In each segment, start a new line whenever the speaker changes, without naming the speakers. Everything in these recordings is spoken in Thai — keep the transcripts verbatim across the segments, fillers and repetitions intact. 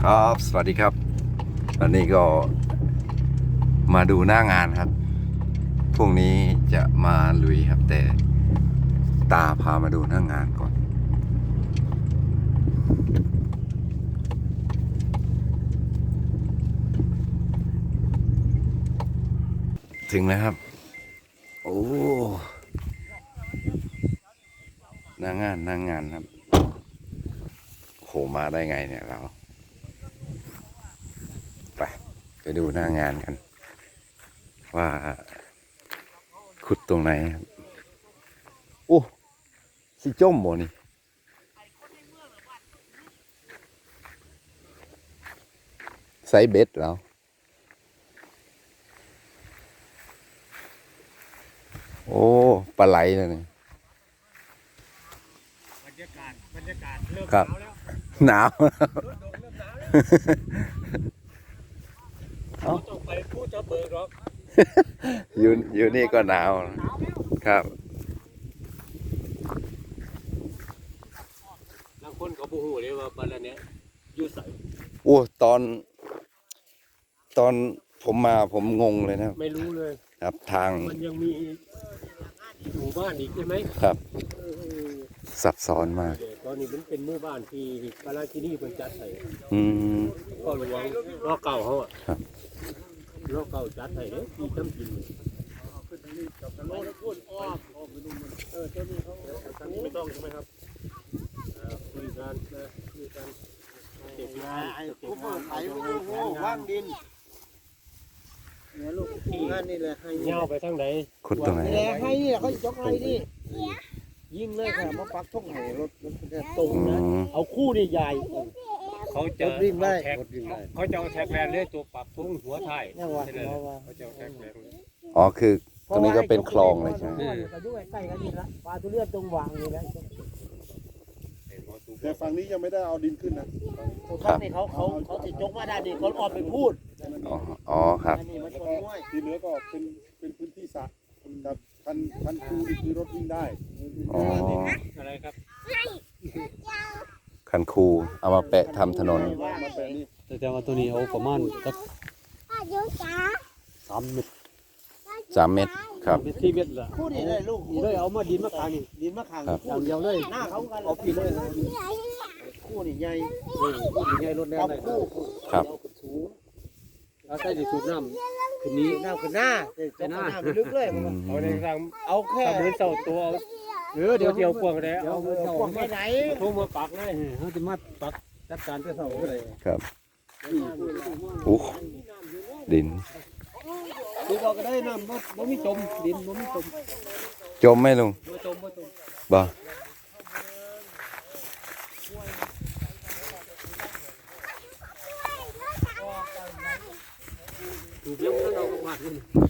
ครับสวัสดีครับวันนี้ก็มาดูหน้างานครับพรุ่งนี้จะมาลุยครับแต่ตาพามาดูหน้างานก่อนถึงแล้วครับโอ้หน้างานหน้างานครับโหมาได้ไงเนี่ยเราไปไปดูหน้างานกันว่าขุดตรงไหนครับโอ้สิจมบ่นี่ไซเบ็ดแล้วโอ้ปลาไหลเลยนี่
บรรยากาศบรรยากาศเริ่ม
ครับ
หนาวแล้ว
หนาว
ลดลงเริ่มหนาวแล้วเขาต้องไปพูดจะเบิกหรอก
อยู่อยู่นี่ก็หนาว
หนาวแล้ว
ครับ
บางคนเขาบูฮูเลยว่าบ้านเนี้ยอยู่ใส
โอ้ตอน ตอนผมมาผมงงเลยนะครับ
ไม่รู้เลย
ครับทาง
มันยังมีหมู่บ้านอีกใช่ไหม
ครับ
เออ
ซับซ้อนมาก
เดี๋ยวตอนนี้มันเป็นหมู่บ้านที่กาลาที่นี่เป็นจัดใส่
อืม
ก็ระวังล้อเก่าเขาอ่ะ
ครับ
ล้อเก่าจัดใส่เนี่ยที่จำกินโอ้แล้วพูดอ้อมอ้อมไปดูมันเออเจ้านี่เขาทางนี้ไม่ต้องใช่ไหมครับอ่าคุยกันนะคุยกันเก็บงาน
ไอ้
เก็บ
ผู้
งาน
ไอ้ผู้ผู้ว่างดินเนี่ยลูกที่งานนี่แหละให้
เงาไปทางไหน
ขุดตรงไหน
นี่แหละให้นี่แหละเขาจกให้นี่ยิ่งเลยค่ะมาปักทุ่งให้รถรถจะตรง
อื
นะ
ม
เอาคู่นี่ใหญ่เขาจะ
รถวิ่งได้
แท็กเขาจะเอาแท็กแลนเลยตัวปรับทุ่งหัวไทย
เนี่ยว่า
ใช่เลย
ว่าว่า
เขาจะเอาแท็กแลน
อ๋อคือตรงนี้ก็เป็นคลองเลยใช่ไหม
ก็ด้วยใกล้กันนี่ละปลาทุเรียนตรงวางนี่แหละ
แต่ฝั่งนี้ยังไม่ได้เอาดินขึ้นนะ
ตรงข้างนี่เขาเขาเขาติดจกมาได้นี่เขาออกไปพูด
อ๋ออ๋อครับ
อันนี้มันชนห้วย
ที่เหลือก็เป็นเป็นพื้นที่สระกับคันคันคูนี่คือรถวิ่งได้
อ๋อ
อะไรครับ
คันคูเอามาแปะทำถนน
มาแปลนี่
แต่ว่าตัวนี้เอาประมาณสักสามเมตร
สามเมตรครับ
เมตรที่เมตรละ
พูดนี่เลยลูก
นี่เลยเอามาดินมาขางนี่
ดินมะขาม
ครับ
อย่างเดียวเลย
หน้าเขากัน
เอาปีเลย
คู่นี่ใหญ่
คู่ใหญ่รถแน่
กับ
เลย
คู่
ครับ
สูง
เอาใส่ดิสูบน้ำคืนนี้
น้ำขึ้นหน้าจะหน้าไปลึกเลย
อืม
เอาในทาง
เอาแค่
ทำเหมือนเสาตัวเอาเออเดี๋ยวเดียวกวางเลย
เอา
เอาเสา
ขวางไม่ไหน
ทุ่งมาปักเลยเขาจะมาปักจัดการเจ้าเสาเลย
ครับโอ้ดิน
ดูบอกก็ได้น้ำบ่บ่มีจมดินบ่มีจม
จมไหมลุง
บ่จมบ่จม
บ่
ถูกยังเราก็มาดนี่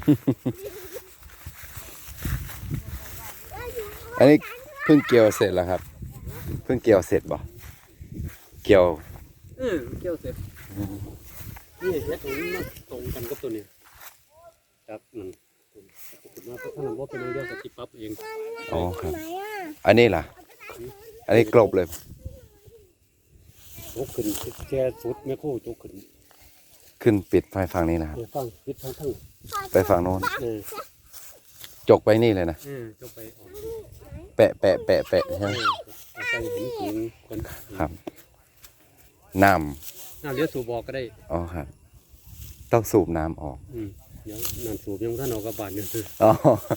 อันนี้เพิ่งเกี่ยวเสร็จแล้วครับ เพิ่งเกี่ยวเสร็จบ่เกี่ยว
เออเกี่ยวเสร็จนี่เฮ็ดให้มันตรงกันกับตัวนี้ครับนั่นมาเพราะถ้ามันบ่เป็นเรื่องก็สิปรับเอง
อ๋อครับ อันนี้ล่ะ อันนี้กลบเลย
จกขึ้นแค่สุดแม่โคจกขึ้น
ขึ้นปิดไฟฝั่งนี้นะครับ
เดี๋ยวฟังปิดทั้งทั้ง
ไปฝั่งโน้น
เออ
จกไปนี่เลยนะ
เออจกไปออก
แปะแปะแปะแปะใช่ไหม
เอาใส่หินสูงคน
ครับ น้
น้ำเลี้ยวสูบบอกก็ได้
ำอ๋อครับ ต้องสูบน้ำออก
อืมเดี๋ยวน้ำสูบยังท่านเอากระบาดเนี่ย
อ๋อ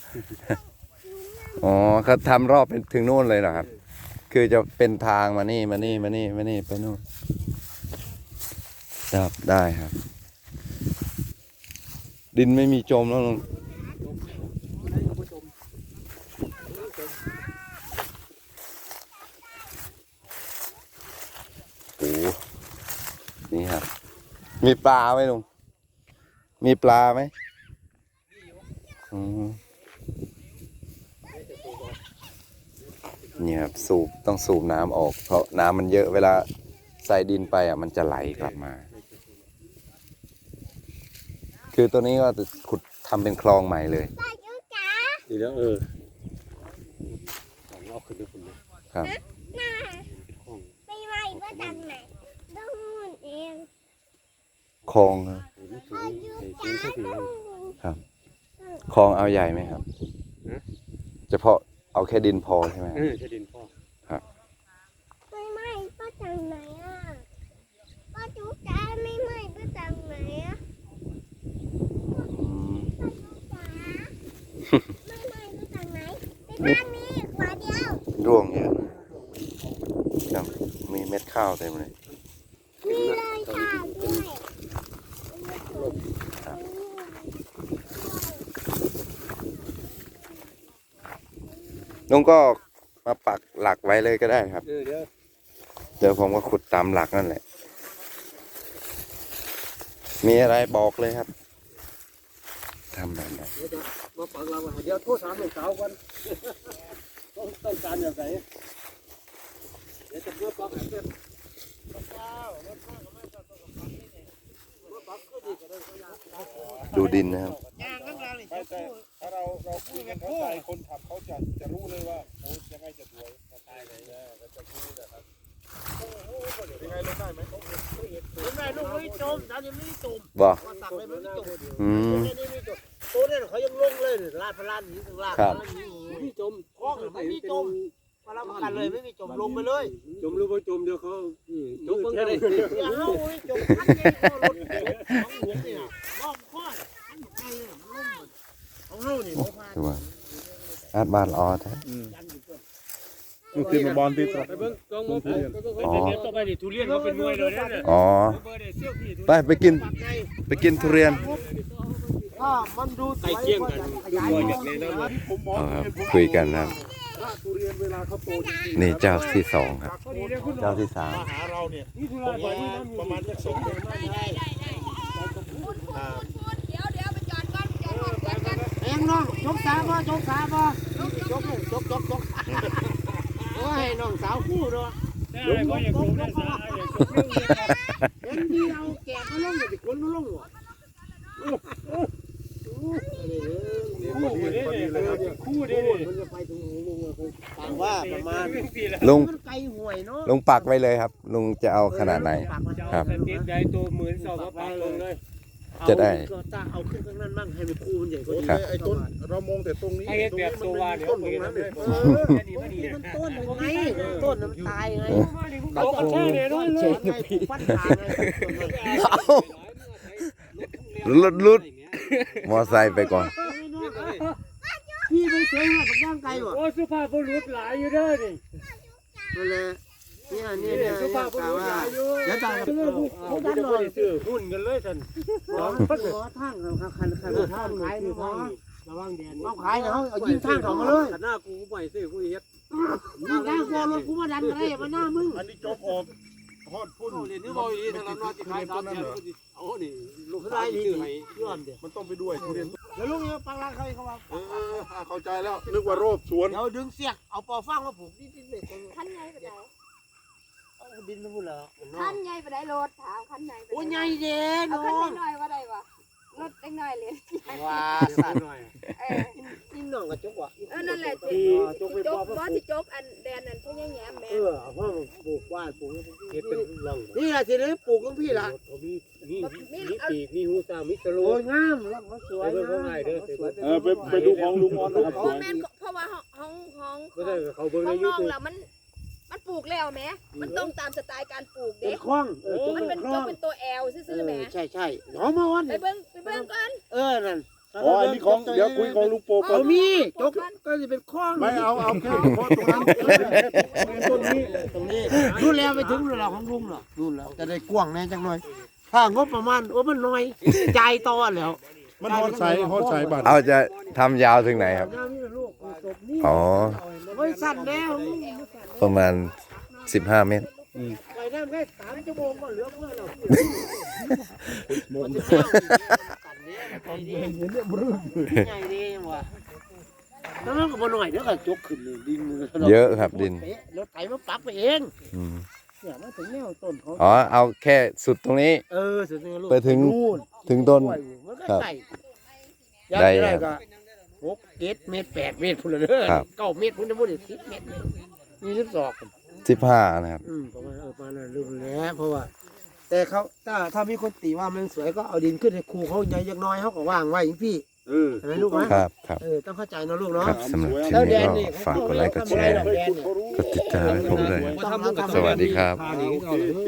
อ๋อเขาทำรอบเป็นถึงนู่นเลยเหรอครับ คือจะเป็นทางมานี่มานี่มานี่มานี่ไปนู่นครับได้ครับ ดินไม่มีจมแล้วลุงโอ้นี่ครับ มีปลาไหมลุง มีปลาไหมอืมเนี่ยครับสูบต้องสูบน้ำออก เพราะน้ำมันเยอะเวลาใส่ดินไปอ่ะมันจะไหลกลับมา คือตัวนี้ก็จะขุดทำเป็นคลองใหม่เลย
ดีแล้วเออเอาขึ้นด้วยคุณนะครับ
ไม่ไหวว่าดันไหนต้องเอง
ลองครับ
สูงสูงสักที
ครับคลองเอาใหญ่ไหมครับเฉพาะเอาแค่ดินพอใช่ไหม
เออจะดินพ่อ
ไม่ไม่ป้าจากไหนอ่ะป้าจุ๊จ๋าไม่ไม่ป้าจากไหนอ่ะ
อืม
จ๋าไม่ไม่ป้าจากไหนไปบ้านนี้ขวาเดียว
ร่วงเยอะครับมีเม็ดข้าวเต็มเลย
มีเลยค่ะด้วย
ลุงก็มาปักหลักไว้เลยก็ได้ครับ
เออเดี๋ยว
เดี๋ยวผมก็ขุดตามหลักนั่นแหละ มีอะไรบอกเลยครับทำแบบไหน
มาปักเราเดี๋ยวโทษถามลูกสาวกันต้องต้องการอย่างไรเดี๋ยวจะเพื่อปักให้เป็น
ดูดินนะครับ
ไม่ใช่ถ้าเราเราคุยกันเข้าใจคนขับเขาจะจะรู้เลยว่าโอ้ยังไงจะสวยจะตายเลยนะก็จะรู้นะครับยังไงลงได้ไหม
คุณแม่ลูกไม่จมดาวยังไม่จม
บอก
มาสั่งเลยไม่จม
อืม
นี่นี่ไม่จมตัวเนี่ยเขายังลงเลยลาดพลานนี้ถึงลาด
ครับ
ไม่จมคล้องไม่มีจมมารับประกันเลยไม่มีจมลงไปเลย
จมหรือว่าจมเดี๋ยวเขาจมแค่ไหน
อย่าเอาจมพันเนี่ยรถของหลวงเนี่ยรอบข้ออันไงมันลงของเฮานี่
ดูว่าอาดบ้านออแท้
มันคือมาบอลติด
ไปเบิ้งกองมือผมเดี๋ยวต่อไปดิทุเรียนเขาเป็นมวยเลยเนี่ย
อ๋อ
เบอร์เด็ดเซี่ยวพี่ทุ
ไปไปกิน ไปกินทุเรียน
ถ้ามันดู
ใกล้เคียงกันมวยแบบนี้นะ
ผมมอง
เอาครับ
เห็นผม
คุยกันนะครับ
ถ้าทุเรียนเวลาเขาโตจริงๆ
นี่เจ้าที่สองครับ เจ้าที่สาม
มาหาเราเนี่ย
นี่ทุ
ผ
เรีย
ม
น
ว่าประมาณสักสองเดือน
เองน้องจกสาบ่จกสาบ่จกจกจกจกจกโอ้ยน้องสาวคู่เนาะ
ได้ก็อย่างผมได้สาอย่างจบเรื่องเลยครับ
เห็นที่เอาแกะมาลงอย่าไปขนมาลงวะ
คู่เด้เนี่ยคู่เด้เนี่ย
มันจะไปตรงนี้ลุงต่างว่าประมาณ
ลุง
มันไกลห่วยเนาะ
ลุงปักไว้เลยครับ ลุงจะเอาขนาดไหน ครับ
สเต็ปใหญ่ตัวเหมือนสอบมาปากลงเลย
จะได้
ก็จะเอาขึ้นข้างนั้นบ้างให้มันคู่มันใหญ่กว่านี้
ครับ
ไอ้ต้นเรามองแต่ตรงนี้
ให้แบบตัววาเดี๋ยว
ต้นต
เห็
รง
น
นั้น
เล
เลย ย
เออมันต้นมันไงต้นมันตายไง
เขาก็แค่เนี่ยน้อยเล
เช็
ย
คไงฟันขาไง
ลุดลุดมอไซค์ไปก่อน
พี่ไปเสียหัวกับย่างไก่วะ
โอ้สุภาพบุรุษหลายอยู่เด้อนี่
นั่นแหละเนี่ยเนี่ยเนี่ย
สุภาพบุรุษหลายอยู่
เดี๋ยวตายกับ
เออผู้ดันหน่อยซื้อหุ้นกันเลยท่าน
ขอขอทางครับคันคันทางขายนี่ขอ
ระวังแดน
เอาขายเขาเอายิงทางเขามาเลย
หน้ากูไปซื้อผู้เฮ็ด
ยิงทางพอรถกูมาดันอะไรมาหน้ามึง
อันนี้จบออกฮอดพุ่น
เรียนนี่บ่อีทางนั้นว่าสิขายสามแสนเอานี่ลูก
ได้
ชาย
ดี
ซื้อให้
ย้อนเดี๋ยว
มันต้องไปด้วยทุเรียน
เดี๋ยวลุงเนี่ยปังรักใครเขาว่า
เออเข้าใจแล้วนึกว่าโรบสวน
เดี๋ยวดึงเสียกเอาปอฟางมาผูกนี่ดินเด็ก
ขั้นใหญ่ไปไหน
เอาดินมาพูดแล้ว
ขั้นใหญ่ไปไหนรถถามขั้นใหญ่ไป
โอ้ย
ไห
ให
น
ญ่เด่น
เอา
น้
ขั้น
อง
น้อยๆว่าได้วะรถเล็กน้อยเลย
ว้า
สั
สั
ต
ต
ว์
ว์
หน่อย
เออ
นี่น้องกับจุกวะ
เออนั่นแหละ
ที่
ที่
จุกไป
จ
ป
ก
อ
ว่า
มา
ที่จกอันแดนนั่นพวกแง่แม่
เออเพราะปลูกว่าปลูก
เฮ็ดเป็นลัง
นี่แหละทีนี้ปลูกของพี่ละ
มีมีมีปีกมีหูตามีสโล
โอ้ยงามแล้วมันสวย
ไปเบิ่งของง่ายเด้อ
สวย
เออไปไปดูของลุงออนนะครับ
โอ้แม่นเพราะว่าห้องห้อง
บ่ได้เขาเบิ่ง
ห้
ใน
องน้อง
YouTube
แล้วมันมันปลูกแล้วแม่มันต้องตามสไตล์การปลูก
เป็
เด็
น
ก
คล้องเออ
มันเป็น
ค
จ
ล้อก ง
เป็นตัวแอลซื่อๆแม่
ใช่ใช่หอมมาวัน
ไปเบิ่งไปเบิ่งก่อน
เออนั่น
อ๋ออันนี้ของเดี๋ยวคุยของลุงโปก่อ
เอา
น
มีจกก็จะเป็นคล้อง
ไม่เอาเอาแค่เฉพาะตรงนั้นต้นนี้
ตรงนี้นู่นแล้วไปถึงนู่นแล้วของลุงเหรอนู่นแล้วจะได้กว้างแน่จังหน่อยถ้างบประมาณโอ้มันน้อยใจายต่อแล้ว
มันฮอดใสฮอดใสบัตร
เอาจะทำยาวถึงไหนครับ
น้ำนี่ลูกจบนี่
อ๋อ
ไว้สั่นแล้ว
ประมาณสิบห้าเมตร
ไปน้ำแค่สามชั่วโมงก็เหลือเพื่อนเราใหญ่ดีว่ะแล้วมันก็บ่หน่อยเดี๋ยวก็จกขึ้นเลยดิน
เยอะครับดิน
รถไถมาปรับไปเอง
อืม
เนี่ยมาถึงแนวต้นเขา
อ๋อ เอาแค่สุดตรงนี้
เออสุดนี่ลูก
ไปถึง
นู่น
ถึงต้น
มันก็
ครับ
ไก่
ได้
ได้
ครับ
ก็หกเจ็ดเมตรแปดเมตรพุ่นเลยเด้อ
ครับ
เก้าเมตรพุ่นจะพูดสิบเมตรนี่สิบสอง
สิบห้านะครับ
อืมประมาณเออประมาณนั้นรู้แล้วเพราะว่าแต่เขาถ้าถ้ามีคนตีว่ามันสวยก็เอาดินขึ้นให้ครูเขาใหญ่ยักน้อยเขาก็ว่างไว้อย่างพี่
เออ
เห็นไหมลูกไหม
ครับครับ
เออต้องเข้าใจนะลูกเนาะ
ครับสำหรับคลิป
แล้วแด
นี้
น
ก็
นี่
ฝากกดไลค์กดแชร์
แดน
กดติดตามให้ผมด้วย
เขาทำ
สวัสดีครับ
พาหนีเขาเลย